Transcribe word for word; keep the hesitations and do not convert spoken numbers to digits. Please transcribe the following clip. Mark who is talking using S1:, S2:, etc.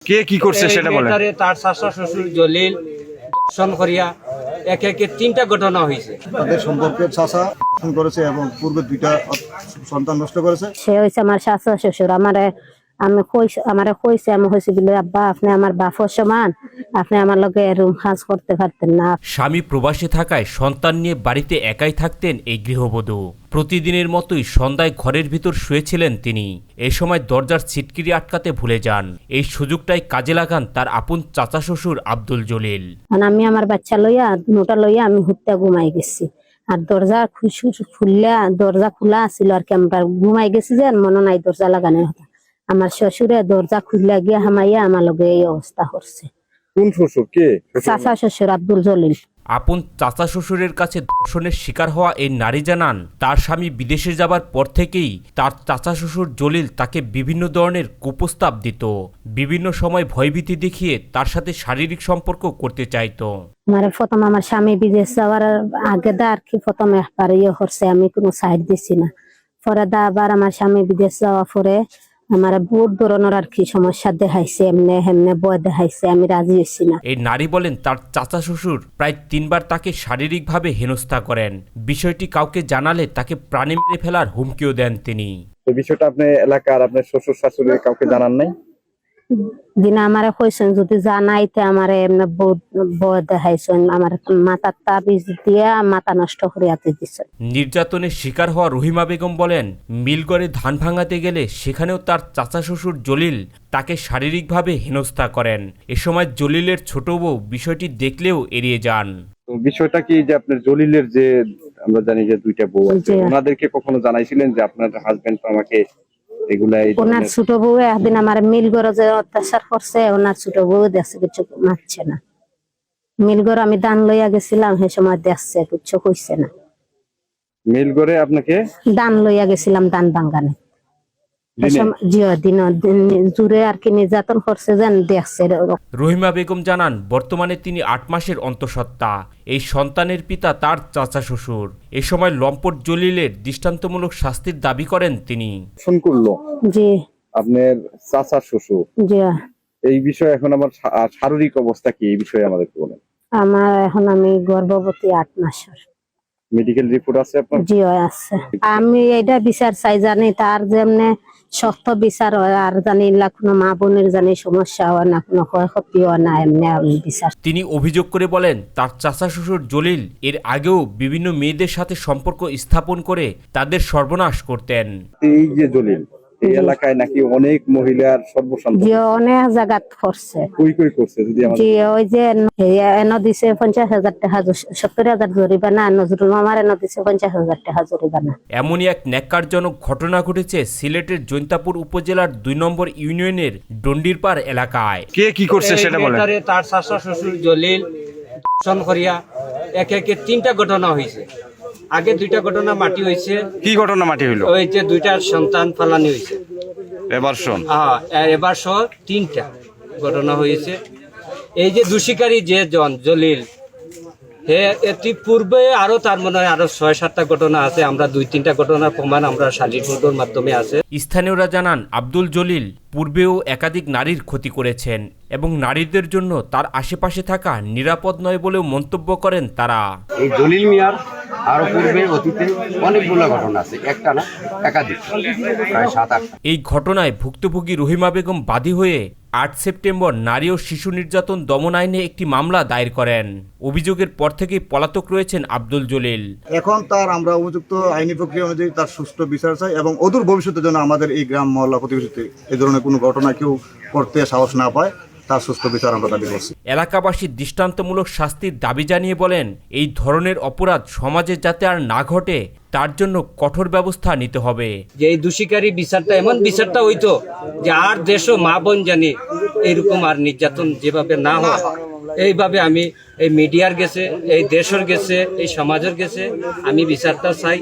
S1: কে কি করছে সেটা বলেন।
S2: তার শাশুড় শ্বশুর জলিল দর্শন করিয়া এক একে তিনটা ঘটনা হয়েছে।
S3: তাদের সম্পর্কে চাচা দর্শন করেছে এবং পূর্বে দুইটা সন্তান নষ্ট করেছে।
S4: সে হয়েছে আমার শাশুড় শ্বশুর। আমারে আমি কইছে আমারে কইছে আমি হয়েছি বলে আব্বা আপনি আমার বাপর সমান, আপনি আমার লগে রুম কাজ করতে পারতেন না।
S5: স্বামী প্রবাসে থাকায় সন্তান নিয়ে বাড়িতে একাই থাকতেন এই গৃহবধূ। প্রতিদিনের মতোই সন্ধ্যায় ঘরের ভিতর শুয়েছিলেন তিনি। এই সময় দরজার ছিটকিরি আটকাতে ভুলে যান। এই সুযোগটাই কাজে লাগান তার আপন চাচা শ্বশুর আব্দুল জলিল।
S4: আমি আমার বাচ্চা লইয়া দুটা লইয়া আমি হুত্যা ঘুমাই গেছি, আর দরজা খুললা দরজা খোলা আছিল আর কি। আমরা ঘুমাই গেছি যে মনে নাই দরজা লাগানোর কথা। আমার শ্বশুরে দরজা খুললা গিয়া হামাইয়া আমার লগে এই অবস্থা করছে।
S1: কোন শ্বশুর? কে?
S4: চাচা শ্বশুর আব্দুল জলিল।
S5: আপন চাচা শ্বশুরের কাছে ধর্ষণের শিকার হওয়া এই নারী জানান, তার স্বামী বিদেশে যাবার পর থেকেই তার চাচা শ্বশুর জলিল তাকে বিভিন্ন ধরনের কুপ্রস্তাব দিত। বিভিন্ন সময় ভয়ভীতি দেখিয়ে তার সাথে শারীরিক সম্পর্ক করতে চাইতো।
S4: মানে প্রথম আমার স্বামী বিদেশ যাওয়ার আগে দা আর কি প্রথম একবার ইয়ে করছে, আমি কোনো সাইড দিছি না। পরে দা আবার আমার স্বামী বিদেশ যাওয়া পরে আমার বহুত ধরনের আর কি সমস্যা দেখাইছে, এমনি হেমনে বয় দেখাইছে, আমি রাজি হইছি না।
S5: এই নারী বলেন তার চাচা শ্বশুর প্রায় তিনবার তাকে শারীরিকভাবে হেনস্থা করেন। বিষয়টি কাউকে জানালে তাকে প্রাণে মেরে ফেলার হুমকিও দেন তিনি।
S1: এই বিষয়টা আপনি এলাকার আপনার শ্বশুর শাশুড়ি কাউকে জানান নাই?
S4: দিনা আমারে কইছেন যদি জানাইতে আমারে এমনি বহুত বয় দেখাইছেন, আমার মাথার তাবিজ দিয়া মাথা নষ্ট করিয়াতে দিছে।
S5: নির্যাতনের শিকার হওয়া রহিমা বেগম বলেন, মিলগড়ে ধান ভাঙাতে গেলে সেখানেও তার চাচা শ্বশুর জলিল তাকে শারীরিকভাবে হেনস্থা করেন। এ সময় জলিলের ছোট বউ বিষয়টি দেখলেও এড়িয়ে যান।
S1: তো বিষয়টা কি যে আপনার জলিলের যে আমরা জানি যে দুইটা বউ আছে, ওনাদেরকে কখনো জানাইছিলেন যে আপনার হাজবেন্ড তো আমাকে এগুলাই?
S4: ওনার ছোট বউ একদিন আমার মিলগড়ে যে অত্যাচার করছে, ওনার ছোট বউ দেখছে কিছু মারছে না। মিলগড় আমি দান লইয়া গেছিলাম, সে সময় দেখছে কিছু কইছে না।
S1: মিলগড়ে আপনাকে
S4: দান লইয়া গেছিলাম দান বাঙ্গানে, জুড়ে আর কি নির্যাতন করছে যেন দেখছে।
S5: রহিমা বেগম জানান, বর্তমানে তিনি আট মাসের অন্তঃসত্ত্বা। এই সন্তানের পিতা তার চাচা শ্বশুর। এ সময় লম্পট জলিলের দৃষ্টান্তমূলক শাস্তির দাবি করেন তিনি।
S1: ফোন করলো
S4: জি
S1: আপনার চাচা শ্বশুর,
S4: জি।
S1: এই বিষয়ে এখন আমার শারীরিক অবস্থা কি, এই বিষয়ে আমাদেরকে বলেন।
S4: আমার এখন আমি গর্ভবতী আট মাসের।
S1: মেডিকেল রিপোর্ট আছে আপনার?
S4: জি আছে। আমি এটা বিচার চাই, জানি তার যেমনে সত্য বিচার হয়, আর জানি কোনো মা বোনের জানি সমস্যা হয় না, কোনো ক্ষয়ক্ষতি হয় না, এমনি আমি বিচার।
S5: তিনি অভিযোগ করে বলেন, তার চাচা শ্বশুর জলিল এর আগেও বিভিন্ন মেয়েদের সাথে সম্পর্ক স্থাপন করে তাদের সর্বনাশ করতেন।
S1: এই যে জলিল এই এলাকায় নাকি অনেক মহিলার সর্বসম্মতি,
S4: জি অনেক জায়গাত করছে।
S1: কই কই করছে যদি আমাদের?
S4: জি ওই যে এনে দিছে পঞ্চাশ হাজার টাকা, সত্তর হাজার জরিমানা, নজরুল মামার এনে দিছে পঞ্চাশ হাজার টাকা জরিমানা।
S5: এমনই এক ন্যাক্কারজনক ঘটনা ঘটেছে সিলেটের জৈন্তাপুর উপজেলার দুই নম্বর ইউনিয়নের ডন্ডিরপাড় এলাকায়।
S1: কে কি করছে সেটা বলেন।
S2: তার শাশুড় শ্বশুর জলিল দর্শন করিয়া এক একে তিনটা ঘটনা হয়েছে। আগে দুইটা ঘটনা মাটি হয়েছে।
S1: কি ঘটনা মাটি হইলো?
S2: ওই যে দুইটা সন্তান ফালানি হয়েছে।
S1: এবার শোন,
S2: হ্যাঁ এবার সহ তিনটা ঘটনা হয়েছে। এই যে দূষিকারী যে জন জলিল, হে এটি পূর্বে আরো তার মনে হয় আরো ছয় সাতটা ঘটনা আছে। আমরা দুই তিনটা ঘটনার প্রমাণ আমরা শারীরিক ফুটোর মাধ্যমে আছে।
S5: স্থানীয়রা জানান, আব্দুল জলিল পূর্বেও একাধিক নারীর ক্ষতি করেছেন এবং নারীদের জন্য তার আশেপাশে থাকা নিরাপদ নয় বলেও মন্তব্য করেন তারা।
S6: এই জলিল মিয়ার আরো পূর্বে অতীতে অনেকগুলো ঘটনা আছে, একটা না একাধিক, প্রায় সাত আট।
S5: এই ঘটনায় ভুক্তভোগী রহিমা বেগম বাদী হয়ে আট সেপ্টেম্বর নারী ও শিশু নির্যাতন দমন আইনে একটি মামলা দায়ের করেন। অভিযোগের পর থেকেই পলাতক রয়েছেন আব্দুল জলিল।
S3: এখন তার আমরা উপযুক্ত আইনি প্রক্রিয়া অনুযায়ী তার সুষ্ঠু বিচার চাই এবং অদূর ভবিষ্যতের জন্য আমাদের এই গ্রাম মহল্লা প্রতিবেশীতে এই ধরনের কোনো ঘটনা কেউ করতে সাহস না পায়, তার সুষ্ঠু বিচার আমরা দাবি করছি।
S5: এলাকাবাসীর দৃষ্টান্তমূলক শাস্তির দাবি জানিয়ে বলেন, এই ধরনের অপরাধ সমাজে যাতে আর না ঘটে তার জন্য কঠোর ব্যবস্থা নিতে হবে।
S2: যে এই দূষিকারী বিচারটা এমন বিচারটা হইতো যে আর দেশও মা বোন জানি এইরকম আর নির্যাতন যেভাবে না হয়, এইভাবে আমি এই মিডিয়ার গেছে, এই দেশের গেছে, এই সমাজের গেছে আমি বিচারটা চাই।